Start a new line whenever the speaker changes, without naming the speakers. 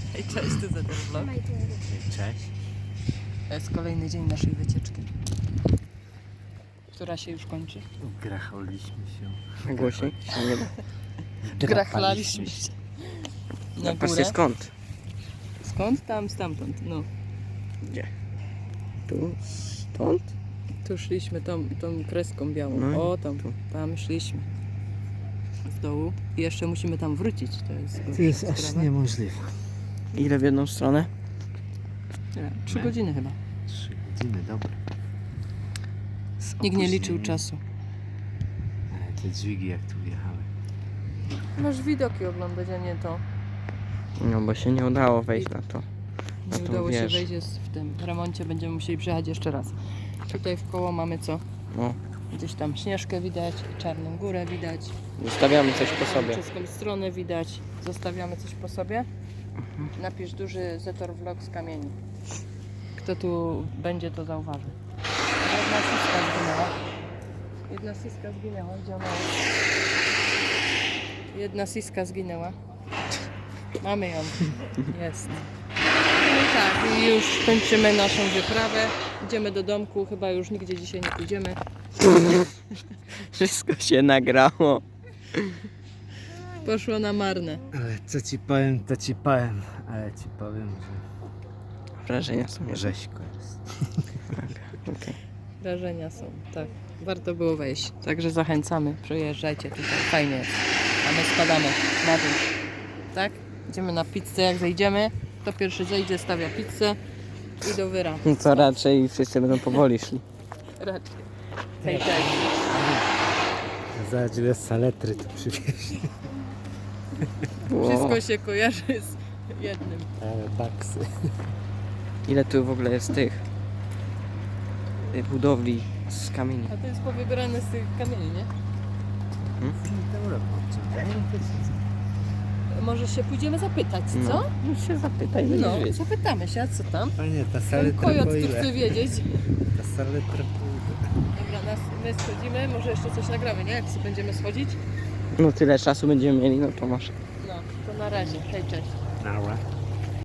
Hej, cześć, to za ten vlog.
Cześć.
To jest kolejny dzień naszej wycieczki, która się już kończy.
Gracholiśmy się.
Głośniej się nie da.
Grachlaliśmy się na
Patrzcie
górę.
skąd?
Skąd? Tam, stamtąd. No.
Gdzie? Tu? Stąd?
Tu szliśmy tą kreską białą.
No
O, tam szliśmy. W dołu. I jeszcze musimy tam wrócić.
To jest aż
sprawa.
niemożliwe.
Ile w jedną stronę?
Nie, 3 godziny chyba.
3 godziny, dobra.
Nikt nie liczył czasu.
Ale te dźwigi jak tu wjechały.
Masz widoki oglądać, a nie to.
No bo się nie udało wejść na to.
Nie
tą
udało się
wieżę.
wejść, jest w tym remoncie, będziemy musieli przejechać jeszcze raz. Tutaj w koło mamy co?
No.
Gdzieś tam Śnieżkę widać, Czarną Górę widać.
Zostawiamy coś po sobie.
Czeską stronę widać. Zostawiamy coś po sobie. Napisz duży Zetor Vlog z kamieni. Kto tu będzie, to zauważy. Jedna siska zginęła. Jedna siska zginęła. Gdzie ona jest? Jedna siska zginęła. Mamy ją. Jest. No i tak, i już kończymy naszą wyprawę. Idziemy do domku. Chyba już nigdzie dzisiaj nie pójdziemy.
Wszystko się nagrało.
Poszło na marne.
Ale co ci powiem, to ci powiem. Ale ci powiem,
Wrażenia są
że rzeźko jest.
Okay.
Wrażenia są, tak. Warto było wejść. Także zachęcamy, przyjeżdżajcie tutaj, fajnie jest. A my spadamy na dół. Tak? Idziemy na pizzę, jak zejdziemy, to pierwszy zejdzie, stawia pizzę i do wyra.
No to raczej wszyscy będą powoli szli.
Raczej. Hej, cześć.
Zobacz, ile saletry tu przywieźli.
Wszystko się kojarzy z jednym.
Ale baksy.
Ile tu w ogóle jest tych budowli z kamieni?
A to jest powybierane z tych kamieni, nie? Może się pójdziemy zapytać, co?
No się zapytaj,
No,
będziesz wiedzieć.
zapytamy się, a co tam?
Panie, ta
Ten
saletra
kojot
po
tu
ile?
chce wiedzieć.
Ta saletra po ile?
Dobra, my schodzimy, może jeszcze coś nagramy, nie? Jak sobie będziemy schodzić?
No tyle czasu będziemy mieli, no to masz.
No, to na razie. Hej, cześć.
Nara.